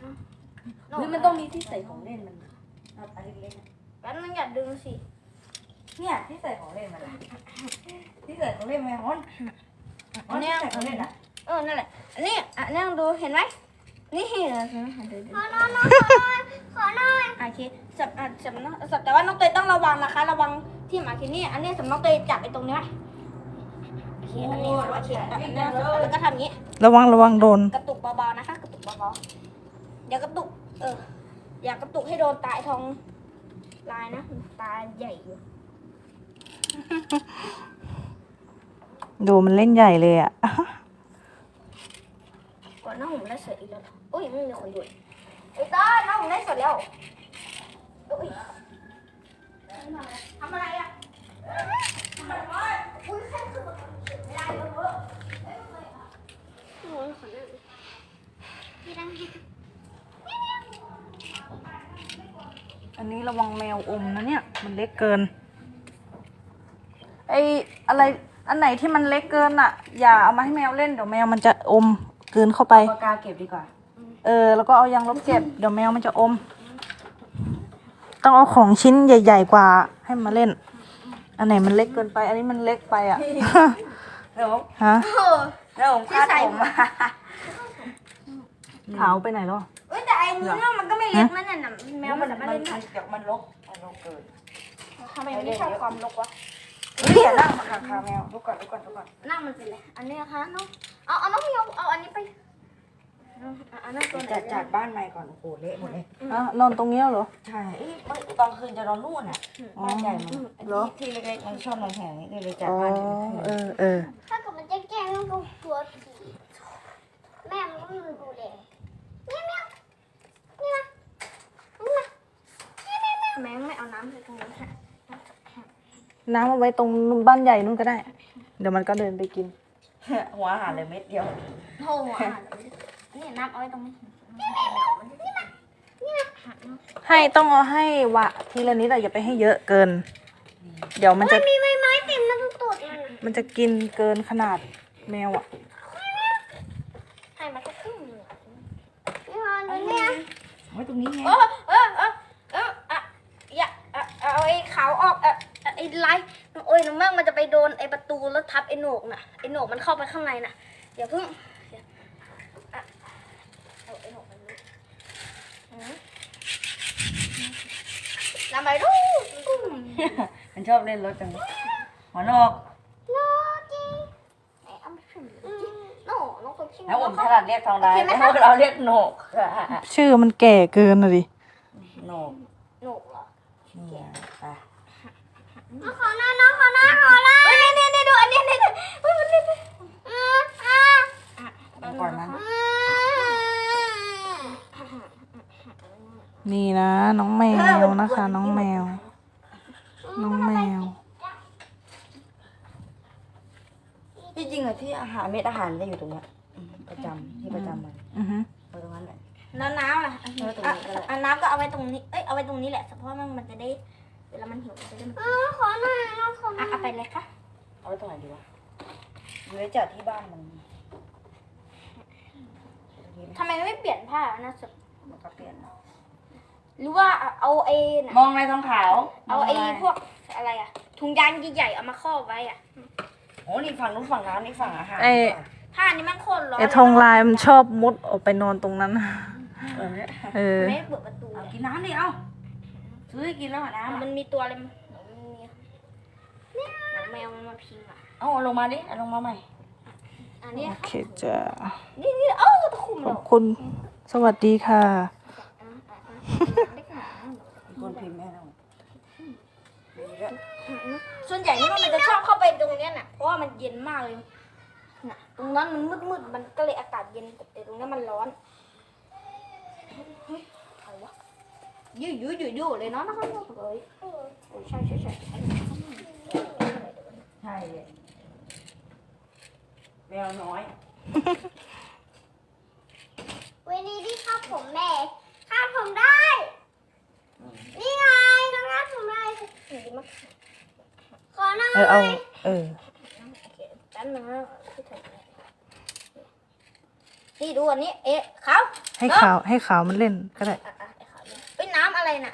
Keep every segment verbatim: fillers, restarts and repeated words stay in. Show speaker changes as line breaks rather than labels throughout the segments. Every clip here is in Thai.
หรือมันต้องมีที่ใส่ของเล่นมันอันเล็กๆ
แป๊บนึงอย่าดึงสิ
เนี่ยที่ใส่ของเล่นมันที่ใส่ของเล่นไหมฮอนฮอนที่ใส่ของเล่นอ่ะ
เออนั่นแหละอันนี้อ่ะนั่งดูเห็นไหมนี่เหรอขอหน่อยขอหน่อยโอเคสับอ่ะสับน้องสับแต่ว่าน้องเตยต้องระวังนะคะ ระวังที่หมาคินี่อันนี้สำน้องเตยจับไอ้ตรงนี้ไว้โอเคอันนี้โอเคอันนี้แล้วก็ทำอย่างนี้
ระวังระวังโดน
กระตุกเบาๆนะคะ กระตุกเบาๆอย่ากระตุก เออ อย่ากระตุกให้โดนตาไอ้ทองลายนะตาใหญ่อยู่
ดูมันเล่นใหญ่เลยอ่ะ
ก่อนน้องผมได้เสร็จอีกแล้วโอ้ยไม่มีคนดูไอ้ต้าน้องผมได้เสร็จแล้วโอ้ยทำอะไรอ่ะทำอะไรอุ้ยแค่คือไม่ได้เลยเว้ยโอ้ยขอเล่นพี่ดัง
อันนี้ระวังแมวอมนะเนี่ย มันเล็กเกิน ไออะไร อันไหนที่มันเล็กเกินอ่ะ อย่าเอามาให้แมวเล่นเดี๋ยวแมวมันจะอมกลืนเข้าไป
ปากกาเก็บดีกว่า
เออ แล้วก็เอายางลบเก็บ เดี๋ยวแมวมันจะอม ต้องเอาของชิ้นใหญ่ๆกว่าให้มาเล่น อันไหนมันเล็กเกินไป อันนี้มันเล็กไปอ่ะ
เดี๋ยว
ฮะ
เดี๋ยวผมคาดผมมา
ขาวไปไหนแล้ว
เอ้ยแต่ไอ้มือน้องมันก็ไม่เล็กนะเนี่ยแมวมัน
มั
ไม่
น
เล่น
มันเดี๋ยวมันลกมันลกเกิน
ทำไมไม่ชอบความรกวะ
เฮ้ยอย่านั่งมาขาขาแมวลุกก่อนลุกก่อนลุกก่อน
นั่งมันเป็นไรอันนี้นะคะน้องเอาเอาน้องมีเอาเอาอันนี้ไปเอานั่งตัวไหน
จัดจัดบ้านใหม่ก่อนโอ้โหเละหมดเลย
อ่ะนอนตรงเนี้ยเหรอ
ใช่เอ้ยตอนคืนจะนอนนู่นอ่ะบ้านใหญ่มัน
เหรอ
ที่เล็กๆมันชอบนอนแถวนี้ก็เลยจัด
อ๋อ
บ้าน
เออเออ
ถ้าเกิดมันจะแกล้งมันก็กลัวผีแม่มันก็มือดูแลเมียวเมียวนี่มานี่มาแม่ไม่เอาน้ำใส่ตรงนี้ค่ะ
น้ำเอาไว้ตรงบ้านใหญ่นู่นก็ได้ เดี๋ยวมันก็เดินไปกิน
หัวอาหารเลยเม็ดเดียว
โธ่อ่ะนี่น้ำเอาไว้ตรงนี้นี่มานี่มา
ให้ต้องเอาให้วะทีละนิดอะอย่าไปให้เยอะเกิน เดี๋ยวมันจะ
มีไม้ไม้ติดมันตูดมัน
มันจะกินเกินขนาดแมวอะ
ให้มาแค่ครึ่งนึงนี่มาดูเนี่ย
ไว้ตรงนี้ไง
เออเออเออเอออ่ะอย่าเอาไอ้ขาวออกอ่ะไอ้ไล่โอ้ยน้องแม่งมันจะไปโดนไอ้ประตูแล้วทับไอ้โหนกน่ะไอ้โหนกมันเข้าไปข้างในน่ะอย่าเพิ่งเอาไอ้โหนกมันทำไมดู
มันชอบเล่นรถจังหัวนอก
โนจีไอ้อ้ำชื่อโน่น้องคนชื่อ
แล้วผมถนัดเรียกทองได้แล้วเราเรียกโหนก
ชื่อมันแก่เกินอะดิ
โหนก
โหนกเหรอ
นี่ไป
น้องขอหน้าน้องขอหน้าขอหน้าเฮ้ยนี่นี่ดูอันนี้นี่เฮ้ยมันนี่อ่าอ่า
ก่อนนั้น
นี่นะ น้องแมวนะคะ น้องแมว น้องแมว
ที่จริงอะที่อาหารเม็ดอาหารจะอยู่ตรงนี้ประจำที่ประจำมัน
อือฮึ
ตรงนั้นแหละ
แล้วน้ำล่ะอ่ะน้ำก็เอาไว้ตรงนี้เอ้ยเอาไว้ตรงนี้แหละเพราะว่ามันจะได้เวลามันหิวมันจะได้มันขอหน่อยน้องขออ่ะเอาไปเลยค่ะ
เอาไว้ตรงไหนดีวะอยู่ไว้จัดที่บ้านมัน
ทำไมไม่เปลี่ยนผ้านะสุด
มันก็เปลี่ยน
หรือว่าเอาไอ้
มองอะไรทองขาว
เอาไอ้พวกอะไรอะถุงยางใหญ่ๆเอามาครอบไว้อะ
โอ้นี่ฝั่งนู้นฝั่งน้ำนี่ฝั่งอาหาร
ไอ้
ผ้านี่มันโคตรร้อน
ไอ้ทองลายมันชอบมุดออกไปนอนตรงนั้น
เออ
เออ
ไม่เปิดประตู
เอากินน้ำดิเอาซื้อให้กินแล้วอ่ะน้ำ
มันมีตัวอะไรมันมีแมวมันมาพิงอะ
เอาลงมาดิเอาลงมาใหม่
อันนี้
โอเคจ้ะ
นี่นี่เอ้าตะคุ่ม
ข
แล้
อ
ว
บคุณ สวัสดีค่ะ
มีคนพิมพ์แม่เรามีด้วย
ส่วนใหญ่นี่มันจะชอบเข้าไปตรงเนี้ยน่ะเพราะว่ามันเย็นมากเลยน่ะตรงนั้นมันมืดๆมันก็เลยอากาศเย็นแต่ตรงนี้มันร้อนอะไรวะยู่ยู่ยู่ยู่เลยเนาะนะครับเลยใช่ใช่ใช่
ใช่เลยแมวน้อย
วันนี้ที่คาดผมแม่คาดผมได้ นี่ไงน้องคาดผมได้ขอหน่อย
เออเอา เออ
แป๊บนึงนะนี่นี่ดูอันนี้เอ๊ะขาว
ให้ขาวให้ขาวมันเล่นก็ได้
อ่ะอ่ะไอ้ขาวเนี่ยเป็นน้ำอะไรน่ะ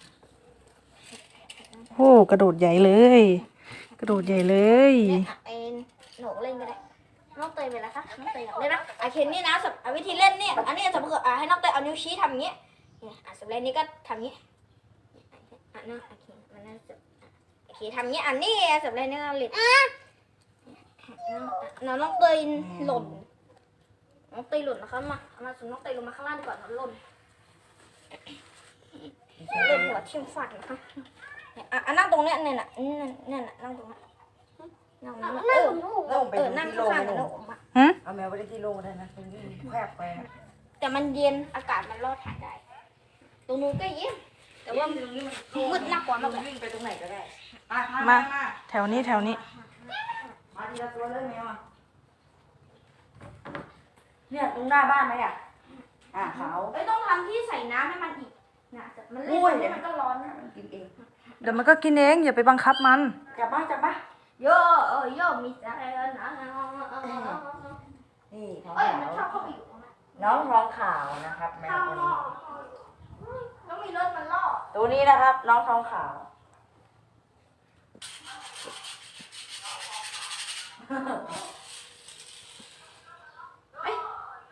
โอ้กระโดดใหญ่เลย กระโดดใหญ่เลย
เนี่ยอ่ะไอ้หนูเล่นก็ได้น้องเตยไปแล้วคะน้องเตยอยากเล่นนะอ่ะเคนนี่นะสำอ่ะวิธีเล่นเนี่ยอันนี้สมมติอ่ะให้น้องเตยเอานิ้วชี้ทำอย่างเงี้ยเนี่ยอ่ะสำหรับนี้ก็ทำอย่างเงี้ยอ่ะน้องโอเคมันน่าจะโอเคทำอย่างเงี้ยอันนี้สำหรับนี้ก็เล่นน้องน้องเตยหล่นน้องเตยหล่นนะคะมาเอามาส่งน้องเตยลงมาข้างล่างดีกว่าน้องหล่นเล่นหัวทิ่มฟันนะคะเนี่ยอ่ะอ่ะนั่งตรงเนี้ยเนี่ยน่ะเนี่ยน่ะเนี่ยน่ะนั่งตรงนั้นนั่งตรงนั้นเออ
แล้วผมไป
เออ
ดู
นั่ง
ที่โรง
ข้างๆ
ไป
กัน
ห
แล้ว
นู
ออกมา
หึ
เอาแมวไปได้ที่โรงได้นะเป็นวิ่งแคบไปนะ
แต่มันเย็นอากาศมันรอดถ่ายได้ ตรงนู้นก็เย็นแต่ว่ามืดน่ากลัวมากเลย
วิ่งไปตรงไหนก็ได้
มา แถวนี้แถวนี้
มาทีละตัวเลยแมวอ่ะเนี่ยตรงหน้าบ้านไหมอ่ะอ่ะขาว
เอ้ยต้องทำที่ใส่น้ำให้มันอีกนะแต่มันเล่
อุ้ย
นมันก็ร้อนนะ
มันกินเอง
เดี๋ยวมันก็กินเองอย่าไปบังคับมัน
จับบ้าจับบ้า
โยเออโยมีใจนะเ
นี่ท้อง
อ้ย
ขา
มัน
ว
ชอบเข้าไปอยู่ตรงนั้น
น้องท้องขาวนะครับแมว
ข้าว
ตัว
ล่อ
นี้
แล้วมีรถมันล่อ
ตัวนี้นะครับ น้องท้องขาว
เอ้ย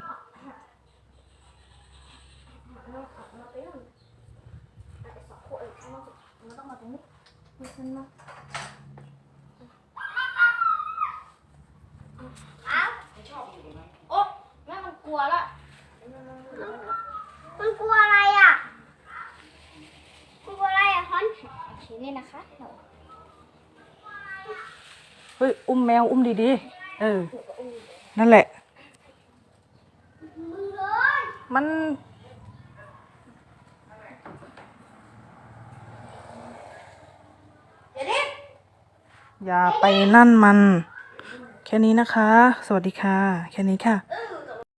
มันต้องมาตรงนี้มันมาอ้าว
ไม่ชอบอยู่ตรงนั้น
โอ้แม่มันกลัวละ
มันกลัวอะไรอ่ะมันกลัวอะไรอ่ะฮอน
โอเคนี่นะคะ
เฮ้ย อุ้มแมวอุ้มดีๆ เออ นั่นแหละ
มึงเลย
มัน
เดี๋ยวนี้
อย่าไปนั่นมัน แค่นี้นะคะ สวัสดีค่ะ แค่นี้ค่ะ
เออ